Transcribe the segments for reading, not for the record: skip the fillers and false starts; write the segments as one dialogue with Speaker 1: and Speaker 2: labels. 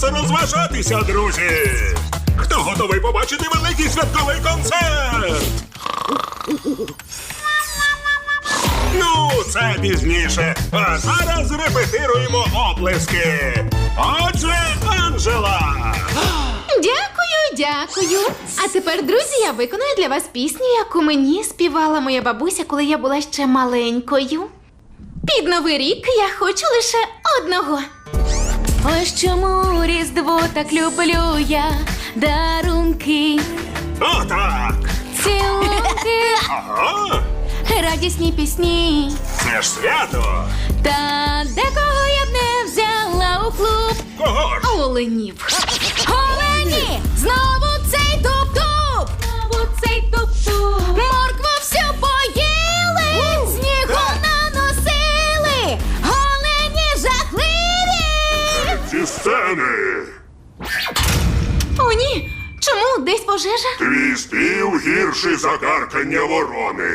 Speaker 1: розважатися, друзі! Хто готовий побачити великий святковий концерт? Ну, це пізніше. А зараз репетируємо оплески. Отже, Анжела!
Speaker 2: Дякую. А тепер, друзі, я виконую для вас пісню, яку мені співала моя бабуся, коли я була ще маленькою. Під Новий рік я хочу лише одного. Ось чому Різдво так люблю я, дарунки,
Speaker 1: Отак!
Speaker 2: цілунки,
Speaker 1: Ага!
Speaker 2: радісні пісні.
Speaker 1: Це ж свято!
Speaker 2: Та декого я б не взяла у клуб.
Speaker 1: Кого ж?
Speaker 2: Оленів. Олені! Знову цей туп-туп! Знову цей туп-туп! Моркву всю поїли! Снігу наносили! Олені жахливі!
Speaker 1: Ці сцени!
Speaker 2: О, ні! Чому? Десь пожежа?
Speaker 1: Твій спів гірший за каркання ворони.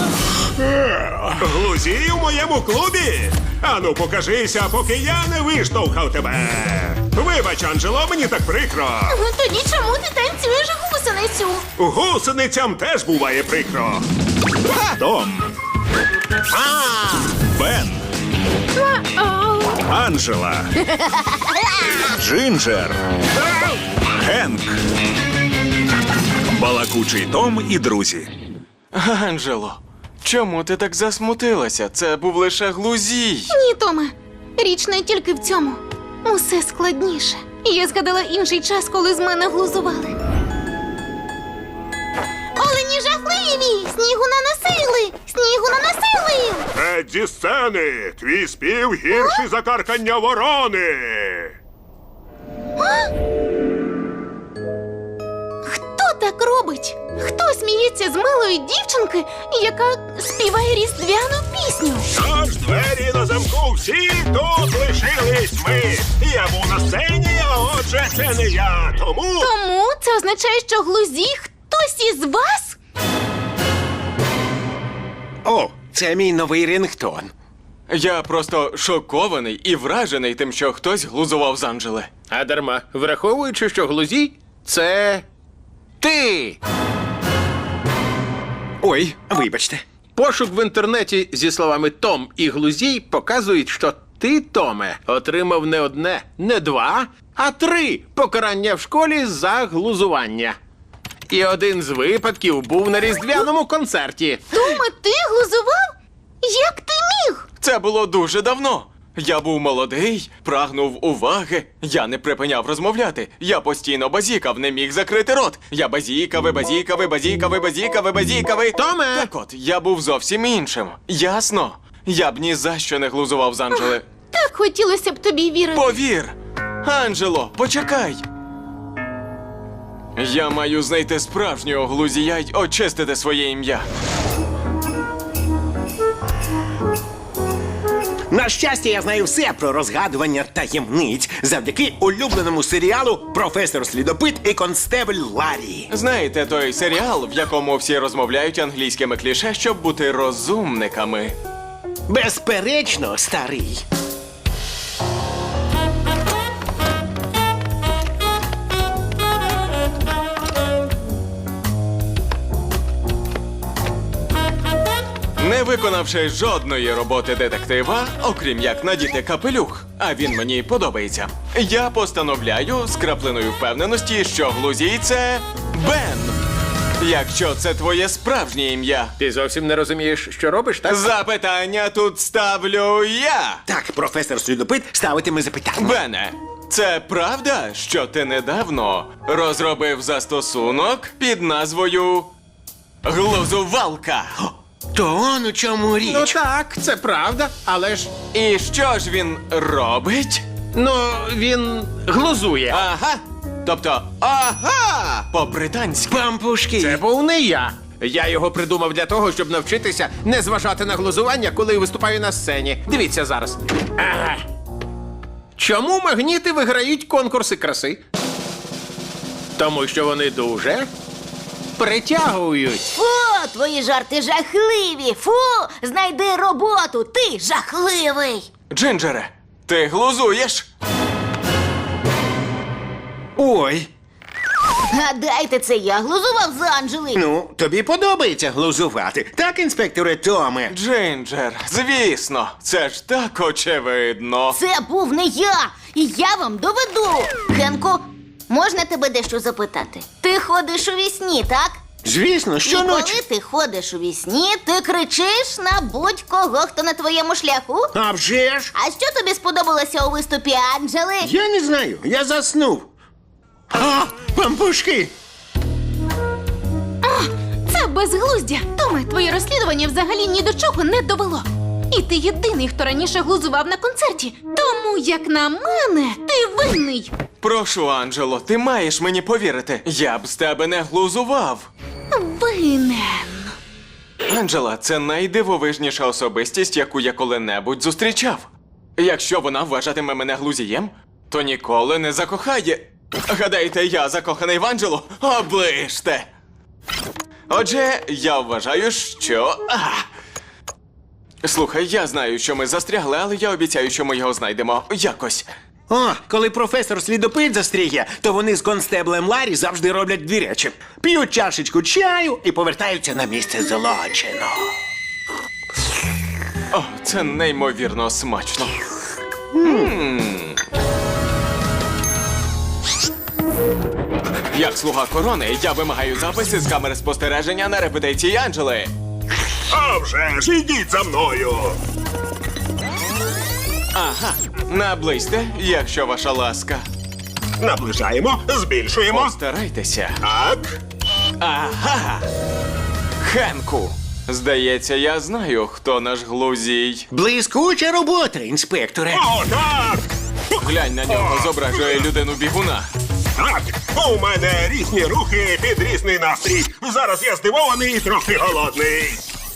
Speaker 1: Глузій у моєму клубі? Ану, покажися, поки я не виштовхав тебе. Вибач, Анджело, мені так прикро.
Speaker 2: Тоді чому ти танцюєш гусеницю?
Speaker 1: Гусеницям теж буває прикро. Том. Бен. Анджела. Джинджер. Генк. Балакучий Том і друзі.
Speaker 3: Анджело, чому ти так засмутилася? Це був лише глузій.
Speaker 2: Ні, Томе. Річ не тільки в цьому. Усе складніше. Я згадала інший час, коли з мене глузували. Олені жахливі! Снігу наносили! Снігу наносили!
Speaker 1: Зі сцени! Твій спів гірший за каркання ворони!
Speaker 2: Хто так робить? Хто сміється з милої дівчинки, яка співає різдвяну пісню?
Speaker 1: Тож двері на замку, всі тут лишились ми. Я був на сцені, а отже, це не я. Тому
Speaker 2: Тому це означає, що глузі хтось із вас?
Speaker 4: О, це мій новий рингтон.
Speaker 3: Я просто шокований і вражений тим, що хтось глузував з Анджели.
Speaker 5: А дарма, враховуючи, що глузій – це ти.
Speaker 4: Ой, вибачте.
Speaker 5: Пошук в інтернеті зі словами «Том» і «глузій» показують, що ти, Томе, отримав не одне, не два, а 3 покарання в школі за глузування. І один з випадків був на різдвяному концерті.
Speaker 2: Томе, ти глузував? Як ти міг?
Speaker 3: Це було дуже давно. Я був молодий, прагнув уваги. Я не припиняв розмовляти. Я постійно базікав, не міг закрити рот. Я базікав, базікав.
Speaker 5: Томе!
Speaker 3: Так от, я був зовсім іншим. Ясно? Я б ні за що не глузував з Анджели.
Speaker 2: Так хотілося б тобі вірити.
Speaker 3: Повір! Анджело, почекай! Я маю знайти справжнього глузія й очистити своє ім'я.
Speaker 4: На щастя, я знаю все про розгадування таємниць завдяки улюбленому серіалу «Професор Слідопит і констебль Ларі».
Speaker 3: Знаєте той серіал, в якому всі розмовляють англійськими кліше, щоб бути розумниками?
Speaker 4: Безперечно, старий.
Speaker 3: Не виконавши жодної роботи детектива, окрім як надіти капелюх, а він мені подобається, я постановляю з краплиною впевненості, що глузій – це Бен. Якщо це твоє справжнє ім'я.
Speaker 5: Ти зовсім не розумієш, що робиш, так?
Speaker 3: Запитання тут ставлю я.
Speaker 4: Так, професор Слідопит ставитиме запитання.
Speaker 3: Бене, це правда, що ти недавно розробив застосунок під назвою Глузувалка?
Speaker 4: То он у чому річ.
Speaker 5: Ну так, це правда, але ж,
Speaker 3: І що ж він робить?
Speaker 5: ну, він глузує.
Speaker 3: Ага. Тобто, ага! По-британськи.
Speaker 4: Пампушки.
Speaker 5: Це був не я. Я його придумав для того, щоб навчитися не зважати на глузування, коли виступаю на сцені. Дивіться зараз. Ага. Чому магніти виграють конкурси краси? Тому що вони дуже притягують.
Speaker 6: Фу, твої жарти жахливі! Фу, знайди роботу, ти жахливий!
Speaker 3: Джинджере, ти глузуєш?
Speaker 4: Ой,
Speaker 6: Гадайте, це я глузував з Анджели.
Speaker 4: ну, тобі подобається глузувати. Так, інспекторе Томе?
Speaker 3: Джинджер, звісно, це ж так очевидно.
Speaker 6: Це був не я, і я вам доведу. Хенку, можна тебе дещо запитати? Ти ходиш у вісні, так?
Speaker 4: Звісно,
Speaker 6: І
Speaker 4: щоночі.
Speaker 6: коли ти ходиш у вісні, ти кричиш на будь-кого, хто на твоєму шляху.
Speaker 4: А вже ж?
Speaker 6: А що тобі сподобалося у виступі Анджели?
Speaker 4: Я не знаю, я заснув. А, пампушки!
Speaker 2: Це безглуздя. Томе, твоє розслідування взагалі ні до чого не довело. І ти єдиний, хто раніше глузував на концерті. Тому, як на мене, ти винний.
Speaker 3: Прошу, Анджело, ти маєш мені повірити. Я б з тебе не глузував.
Speaker 2: Винен.
Speaker 3: Анджела, це найдивовижніша особистість, яку я коли-небудь зустрічав. Якщо вона вважатиме мене глузієм, то ніколи не закохає. Гадаєте, я закоханий в Анджелу? Оближте! Отже, я вважаю, що. Слухай, я знаю, що ми застрягли, але я обіцяю, що ми його знайдемо якось.
Speaker 4: О, коли професор слідопит застрігє, то вони з констеблем Ларі завжди роблять дві речі. П'ють чашечку чаю і повертаються на місце злочину.
Speaker 3: О, це неймовірно смачно. Як слуга корони, я вимагаю записи з камери спостереження на репетиції Анджели.
Speaker 1: А вже ж, ідіть за мною.
Speaker 3: Ага, наблизьте, якщо ваша ласка.
Speaker 1: Наближаємо, збільшуємо.
Speaker 3: Постарайтеся.
Speaker 1: Так.
Speaker 3: Ага. Хенку. Здається, я знаю, хто наш глузій.
Speaker 4: Блискуча робота, інспекторе.
Speaker 1: О, так.
Speaker 3: Глянь на нього, зображує людину бігуна.
Speaker 1: Так, у мене різні рухи під різний настрій. Зараз я здивований і трохи голодний.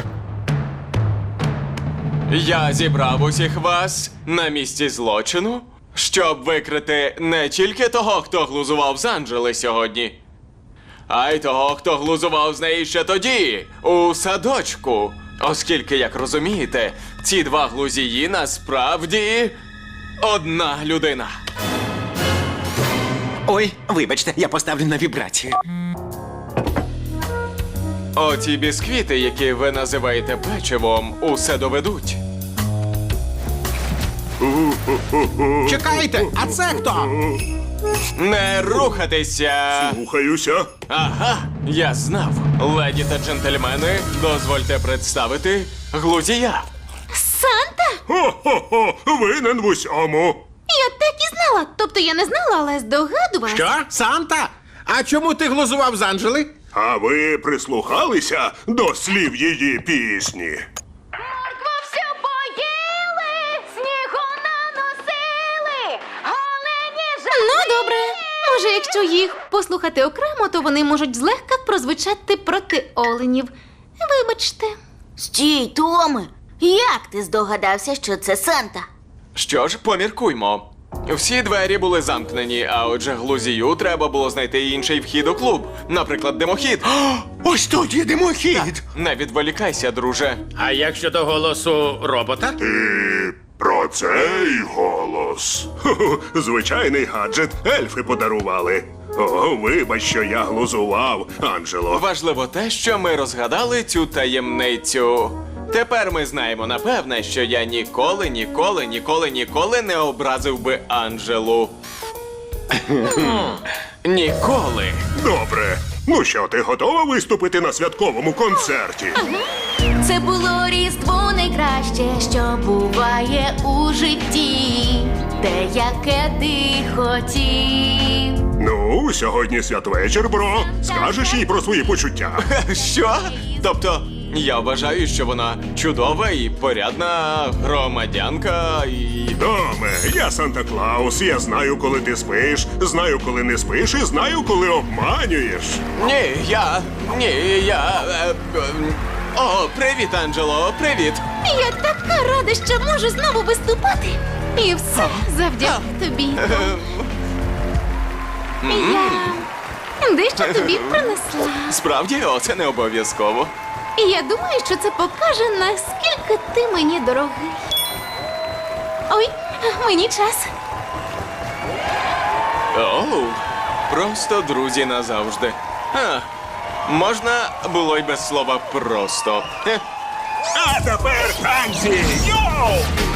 Speaker 3: Я зібрав усіх вас на місці злочину, щоб викрити не тільки того, хто глузував з Анджели сьогодні, а й того, хто глузував з неї ще тоді, у садочку. Оскільки, як розумієте, ці два глузії насправді одна людина.
Speaker 4: Ой, вибачте, я поставлю на вібрацію.
Speaker 3: Оті бісквіти, які ви називаєте печивом, усе доведуть.
Speaker 5: Чекайте, а це хто?
Speaker 3: Не рухатися!
Speaker 1: Слухаюся.
Speaker 3: Ага, я знав. Леді та джентльмени, дозвольте представити глузія.
Speaker 2: Санта?
Speaker 1: Хо-хо-хо, винен в усьому.
Speaker 2: Я так і знала. Тобто я не знала, але здогадувалась.
Speaker 5: Що? Санта? А чому ти глузував з Анджели?
Speaker 1: А ви прислухалися до слів її пісні?
Speaker 6: Моркву всю поїли, снігу наносили, олені
Speaker 2: Ну, добре. Може, якщо їх послухати окремо, то вони можуть злегка прозвучати проти оленів. Вибачте.
Speaker 6: Стій, Томе! Як ти здогадався, що це Санта?
Speaker 3: Що ж, поміркуймо. Всі двері були замкнені, а отже глузію треба було знайти інший вхід у клуб. Наприклад, димохід.
Speaker 4: Ось тут є димохід.
Speaker 3: Не відволікайся, друже.
Speaker 5: А як щодо голосу робота?
Speaker 1: Про цей голос. Хо-хо, звичайний гаджет ельфи подарували. О, вибач, що я глузував, Анджело.
Speaker 3: Важливо те, що ми розгадали цю таємницю. Тепер ми знаємо напевне, що я ніколи не образив би Анджелу. Ніколи.
Speaker 1: Добре. Ну що, ти готова виступити на святковому концерті?
Speaker 2: Це було Різдво найкраще, що буває у житті. Те, яке ти хотів.
Speaker 1: Ну, сьогодні святвечір, бро. Скажеш їй про свої почуття.
Speaker 3: Що? Тобто, я вважаю, що вона чудова і порядна громадянка і.
Speaker 1: Доме, я Санта-Клаус, я знаю, коли ти спиш, знаю, коли не спиш, і знаю, коли обманюєш.
Speaker 3: О, привіт, Анджело, привіт!
Speaker 2: Я така рада, що можу знову виступати. І все завдяки тобі. Я дещо тобі принесла.
Speaker 3: Справді, це не обов'язково.
Speaker 2: І я думаю, що це покаже, наскільки ти мені дорогий. Ой, мені час.
Speaker 3: Оу, Просто друзі назавжди. Можна було й без слова просто.
Speaker 1: А тепер танці! Йоу!